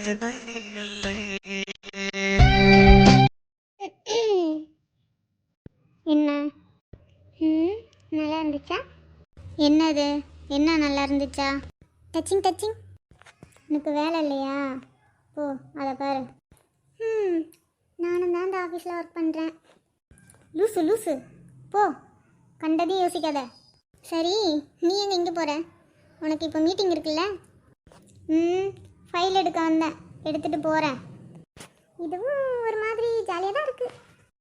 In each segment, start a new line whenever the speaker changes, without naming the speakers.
என்ன? நல்லா இருந்துச்சா? என்னது? என்ன நல்லா இருந்துச்சா? Touching touching. எனக்கு வேலை இல்லையா? ஓ, அதை பாரு. நானும் தான் இந்த ஆஃபீஸில் ஒர்க் பண்ணுறேன். லூசு லூசு, போ, கண்டதையும் யோசிக்காத. சரி, நீ எங்கே இங்கே போகிற? உனக்கு இப்போ மீட்டிங் இருக்குல்ல? ஃபைல் எடுக்க வந்தேன், எடுத்துகிட்டு போகிறேன். இதுவும் ஒரு மாதிரி ஜாலியாக தான் இருக்குது.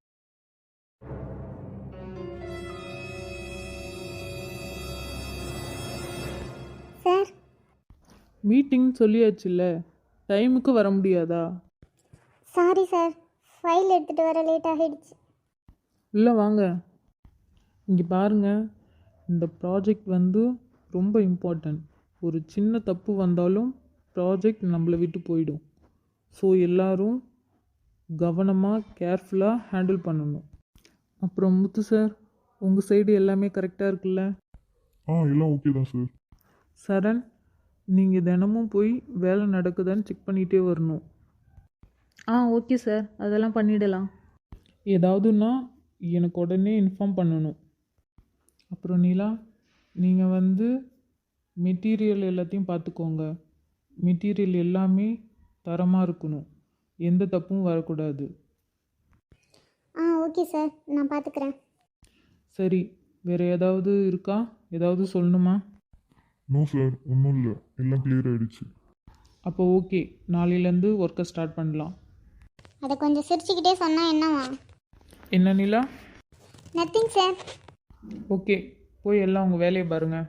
சார்,
மீட்டிங் சொல்லியாச்சுல்ல, டைமுக்கு வர முடியாதா?
சாரி சார், ஃபைல் எடுத்துகிட்டு வர லேட் ஆகிடுச்சு.
இல்லை வாங்க, இங்கே பாருங்கள், இந்த ப்ராஜெக்ட் ரொம்ப இம்பார்ட்டன்ட். ஒரு சின்ன தப்பு வந்தாலும் ப்ராஜெக்ட் நம்மளை விட்டு போயிடும். ஸோ எல்லோரும் கவனமாக கேர்ஃபுல்லாக ஹேண்டில் பண்ணணும். அப்புறம் முத்து சார், உங்கள் சைடு எல்லாமே கரெக்டாக இருக்குல்ல?
எல்லாம் ஓகே தான் சார்.
சரண், நீங்கள் தினமும் போய் வேலை நடக்குதான்னு செக் பண்ணிகிட்டே வரணும்.
ஓகே சார், அதெல்லாம் பண்ணிடலாம்.
ஏதாவதுன்னா எனக்கு உடனே இன்ஃபார்ம் பண்ணணும். அப்புறம் நீலா, நீங்கள் மெட்டீரியல் எல்லாத்தையும் பார்த்துக்கோங்க. மெட்டீரியல் எல்லாமே தரமாக இருக்கணும், எந்த தப்பும் வரக்கூடாது.
ஓகே சார், நான் பார்த்துக்கிறேன்.
சரி, வேறு ஏதாவது இருக்கா? ஏதாவது சொல்லணுமா?
நோ சார், ஒன்றும் இல்லை, எல்லாம் கிளியர் ஆகிடுச்சு.
அப்போ ஓகே, நாளையிலேருந்து ஒர்க்கை ஸ்டார்ட் பண்ணலாம்.
அதை கொஞ்சம் சிரிச்சுக்கிட்டே சொன்னால் என்னவா?
என்ன நீலா?
Nothing sir.
ஓகே, போய் எல்லாம் உங்கள் வேலையை பாருங்கள்.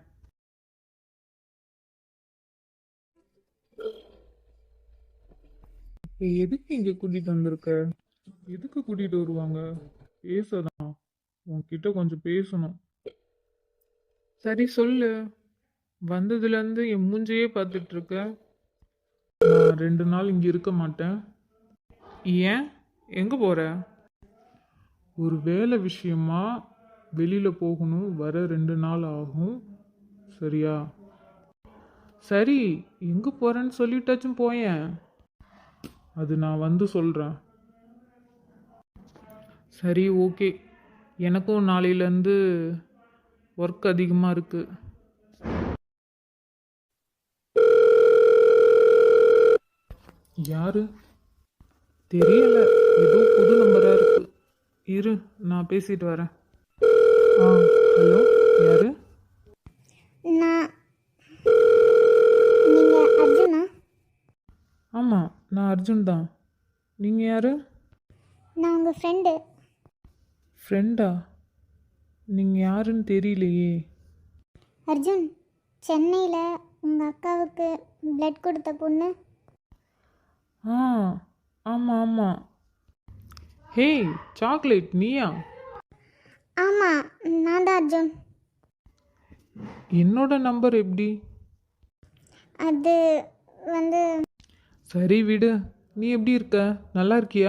எதுக்கு இங்கே கூட்டிகிட்டு வந்திருக்க? எதுக்கு கூட்டிகிட்டு வருவாங்க? பேசதான், உன்கிட்ட கொஞ்சம் பேசணும். சரி சொல்லு. வந்ததுலேருந்து என் மூஞ்சையே பார்த்துட்ருக்க. நான் 2 நாள் இங்கே இருக்க மாட்டேன். ஏன்? எங்கே போகிற? ஒரு வேலை விஷயமா வெளியில் போகணும், வர 2 நாள் ஆகும். சரியா? சரி, எங்கே போகிறேன்னு சொல்லிட்டாச்சும் போயேன். அது நான் சொல்கிறேன். சரி ஓகே, எனக்கும் நாளையிலேருந்து ஒர்க் அதிகமாக இருக்குது. யாரு தெரியல, ஏதோ புது நம்பராக இருக்குது. இரு, நான் பேசிட்டு வரேன். ஹலோ, யாரு?
நீங்கள் அர்ஜுனா?
ஆமாம், நான் அர்ஜுன் தான். நீங்கள் யார்?
நான் உங்கள் ஃப்ரெண்டு.
ஃப்ரெண்டா? நீங்கள் யாருன்னு தெரியலையே.
அர்ஜுன், சென்னையில் உங்கள் அக்காவுக்கு பிளட் கொடுத்த பொண்ணு.
ஆமாம் ஆமாம். ஹே, சாக்லேட் நீயா?
ஆமாம், நான் தான் அர்ஜுன்.
என்னோட நம்பர் எப்படி?
அது
சரி விடு, நீ எப்படி இருக்க? நல்லா இருக்கியா?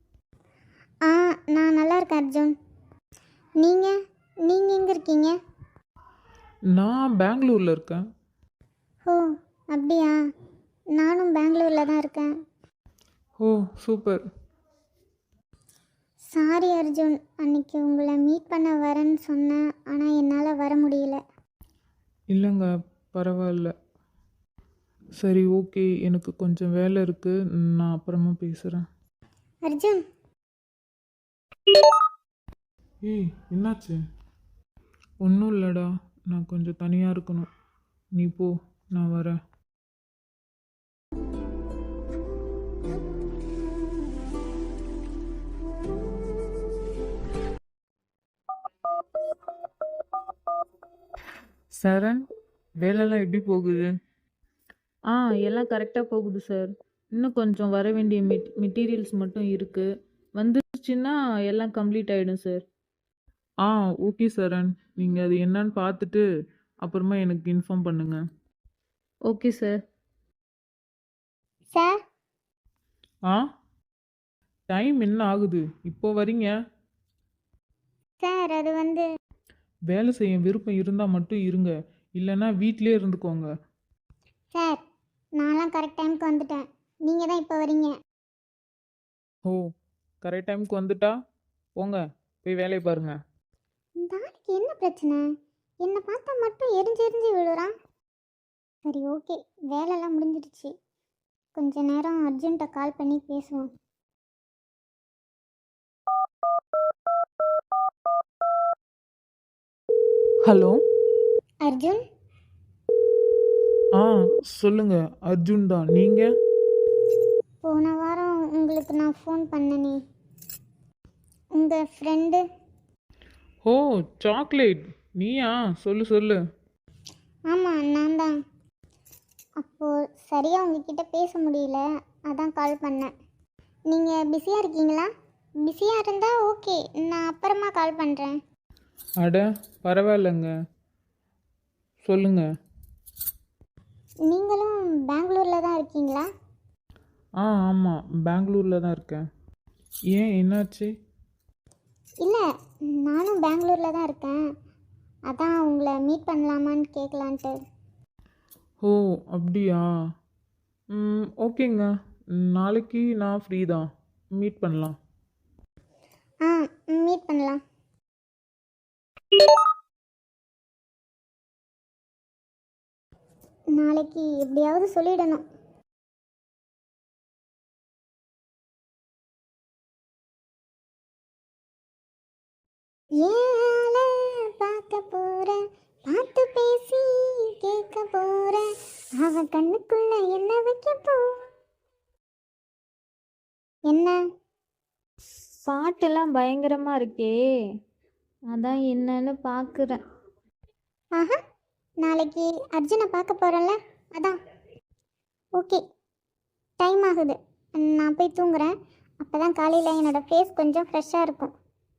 நான் நல்லா இருக்கேன் அர்ஜுன். நீங்கள் எங்கே இருக்கீங்க?
நான் பெங்களூரில் இருக்கேன்.
ஓ, அப்படியா? நானும் பெங்களூரில் தான் இருக்கேன்.
ஓ, சூப்பர்.
சாரி அர்ஜுன், அன்னைக்கு உங்களை மீட் பண்ண வரேன்னு சொன்னேன், ஆனால் என்னால் வர முடியல.
இல்லைங்க, பரவாயில்ல. சரி ஓகே, எனக்கு கொஞ்சம் வேலை இருக்குது, நான் அப்புறமா பேசுகிறேன்.
அர்ஜுன்.
ஏய், என்னாச்சு? ஒன்றும் இல்லைடா, நான் கொஞ்சம் தனியாக இருக்கணும். நீ போ, நான் வரேன். சரண், வேலைலாம் எப்படி போகுது?
எல்லாம் கரெக்டாக போகுது சார். இன்னும் கொஞ்சம் வர வேண்டிய மெட்டீரியல்ஸ் மட்டும் இருக்குது. வந்துருச்சுன்னா எல்லாம் கம்ப்ளீட் ஆகிடும் சார்.
ஓகே சரண், நீங்கள் அது என்னன்னு பார்த்துட்டு அப்புறமா எனக்கு இன்ஃபார்ம் பண்ணுங்கள்.
Okay sir.
சார்.
டைம் என்ன ஆகுது? இப்போ வரீங்க?
சார், அது
வேலை செய்ய விருப்பம் இருந்தால் மட்டும் இருங்க, இல்லைன்னா வீட்டிலே இருந்துக்கோங்க.
சார், நான்லாம் கரெக்ட் டைமுக்கு வந்துட்டேன். நீங்கள் தான் இப்போ வரீங்க.
ஓ, கரெக்ட் டைமுக்கு வந்துட்டா. போங்க, போய் வேலையை பாருங்க.
இந்த ஆளுக்கு என்ன பிரச்சனை? என்னை பார்த்தா மட்டும் எரிஞ்சு எரிஞ்சு விழுறான். சரி, ஓகே, வேலைலாம் முடிஞ்சிடுச்சு. கொஞ்ச நேரம் அர்ஜுன்கிட்ட கால் பண்ணி பேசுவோம்.
ஹலோ.
அர்ஜுன்,
ஆ, சொல்லுங்க. அர்ஜுன் தான். நீங்கள்?
போன வாரம் உங்களுக்கு நான் ஃபோன் பண்ணனே, உங்கள் ஃப்ரெண்டு.
ஓ, சாக்லேட். நீயா? சொல்லு சொல்லு.
ஆமாம், நான் தான். அப்போது சரியாக உங்ககிட்ட பேச முடியல, அதான் கால் பண்ணேன். நீங்கள் பிஸியாக இருக்கீங்களா? பிஸியாக இருந்தால் ஓகே, நான் அப்புறமா கால் பண்ணுறேன்.
அட, பரவாயில்லைங்க. சொல்லுங்க.
நீங்களும் பெங்களூரில் தான் இருக்கீங்களா?
ஆமாம், பெங்களூரில் தான் இருக்கேன். ஏன், என்னாச்சு?
இல்லை, நானும் பெங்களூரில் தான் இருக்கேன். அதான் உங்களை மீட் பண்ணலாமான்னு கேட்கலான்ட்டு.
ஓ, அப்படியா? ஓகேங்க. நாளைக்கு நான் ஃப்ரீ தான். மீட் பண்ணலாம்.
ஆ, மீட் பண்ணலாம். நாளைக்கு எப்படியாவது சொல்லிடணும். ஏல பார்க்க போறேன், பார்த்து பேசி கேட்க போறேன், அவ கண்ணுக்குள்ள என்ன வைக்க போ. என்ன?
பாட்டெல்லாம் பயங்கரமாக இருக்கே, அதான் என்னன்னு பார்க்குறேன்.
ஆஹா, நாளைக்கு அர்ஜுனை பார்க்க போகிறேன்ல, அதான். ஓகே, டைம் ஆகுது, நான் போய் தூங்குறேன். அப்போ தான் காலையில் என்னோடய ஃபேஸ் கொஞ்சம் ஃப்ரெஷ்ஷாக இருக்கும்.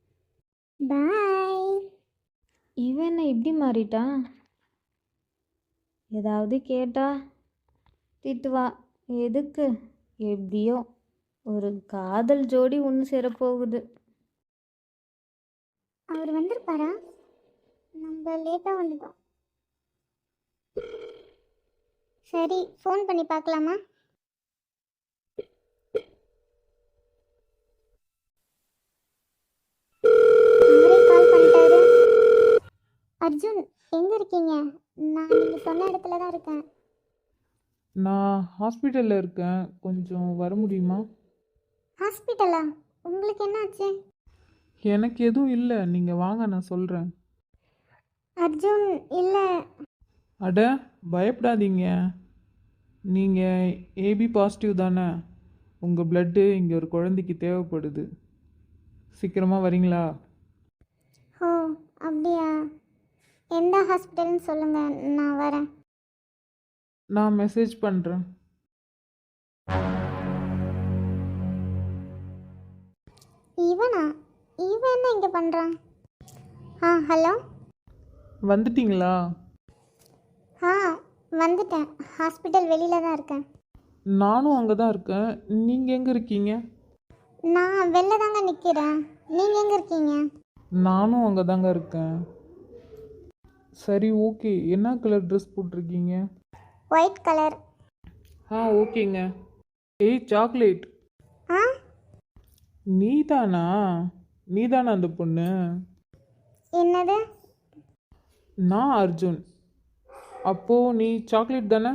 பாய்.
இவன் என்ன இப்படி மாறிட்டான்? ஏதாவது கேட்டா திட்டுவா. எதுக்கு? எப்படியோ ஒரு காதல் ஜோடி ஒன்று சேரப்போகுது.
அவர் வந்திருப்பாரா? நம்ம லேட்டாக வந்துட்டோம். சரி, ஃபோன் பண்ணி பார்க்கலாமா? அவரே கால் பண்ணிட்டாரு. அர்ஜுன், எங்கே இருக்கீங்க? நான் நீங்கள் சொன்ன இடத்துல தான் இருக்கேன்.
நான் ஹாஸ்பிட்டலில் இருக்கேன். கொஞ்சம் வர முடியுமா?
ஹாஸ்பிட்டலா? உங்களுக்கு என்னாச்சு?
எனக்கு எதுவும் இல்லை, நீங்கள் வாங்க, நான் சொல்கிறேன்.
அர்ஜுன், இல்லை.
அட, பயப்படாதீங்க. நீங்கள் ஏபி பாசிட்டிவ் தானே? உங்கள் பிளட்டு இங்கே ஒரு குழந்தைக்கு தேவைப்படுது. சீக்கிரமாக வரீங்களா?
ஓ, அப்படியா? எந்த ஹாஸ்பிட்டல்னு சொல்லுங்கள், நான் வரேன்.
நான் மெசேஜ் பண்ணுறேன்.
இவனா? இவன் என்ன இங்கே பண்ணுறான்? ஹலோ.
வந்துட்டீங்களா?
வந்துட்டேன். ஹாஸ்பிட்டல் வெளியில் தான் இருக்கேன்.
நானும் அங்கே தான் இருக்கேன். நீங்கள் எங்கே இருக்கீங்க?
நான் வெளில தாங்க நிற்கிறேன். நீங்கள் எங்கே இருக்கீங்க?
நானும் அங்கே தாங்க இருக்கேன். சரி, ஓகே. என்ன கலர் ட்ரெஸ் போட்டிருக்கீங்க?
White colour.
ஓகேங்க. ஏய் சாக்லேட்,
ஆ,
நீதானா? நீதானா அந்த பொண்ணு?
என்னது?
நான் அர்ஜுன். அப்போது நீ சாக்லேட் தானே?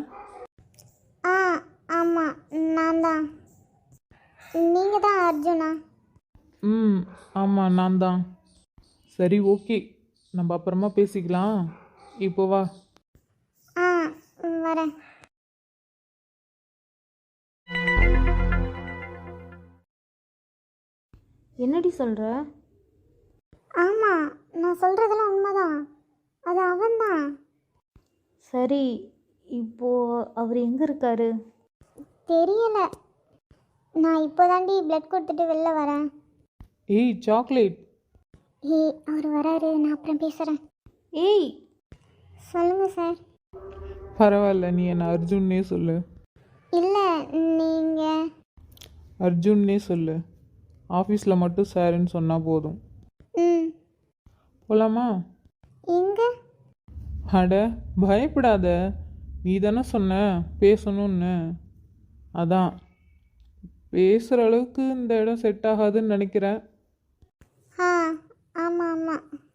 ஆமாம், நான் தான். நீங்கள் தான் அர்ஜுனா?
ஆமாம், நான் தான். சரி, ஓகே. நம்ம அப்புறமா பேசிக்கலாம். இப்போ வா.
வரேன்.
என்னடி சொல்கிற?
ஆமாம், நான் சொல்கிறதெல்லாம் உண்மைதான். அது அவன்தான்.
சரி, இப்போது அவர் எங்கே இருக்காரு?
தெரியல. நான் இப்போ தாண்டி பிளட் கொடுத்துட்டு வெளில வரேன்.
ஏய் சாக்லேட்.
அவர் வராரு, நான் அப்புறம் பேசுகிறேன்.
ஏய்,
சொல்லுங்கள் சார்.
பரவாயில்ல, நீ என்ன அர்ஜுன்னே சொல்லு.
இல்லை, நீங்கள்.
அர்ஜுன்னே சொல்லு. ஆஃபீஸில் மட்டும் சாருன்னு சொன்னால் போதும். போகலாமா?
எங்கே?
அட, பயப்படாத. நீ தானே சொன்ன பேசணும்னு. அதான் பேசுகிற அளவுக்கு இந்த இடம் செட் ஆகாதுன்னு நினைக்கிறேன்.
ஆ ஆமாம் ஆமாம்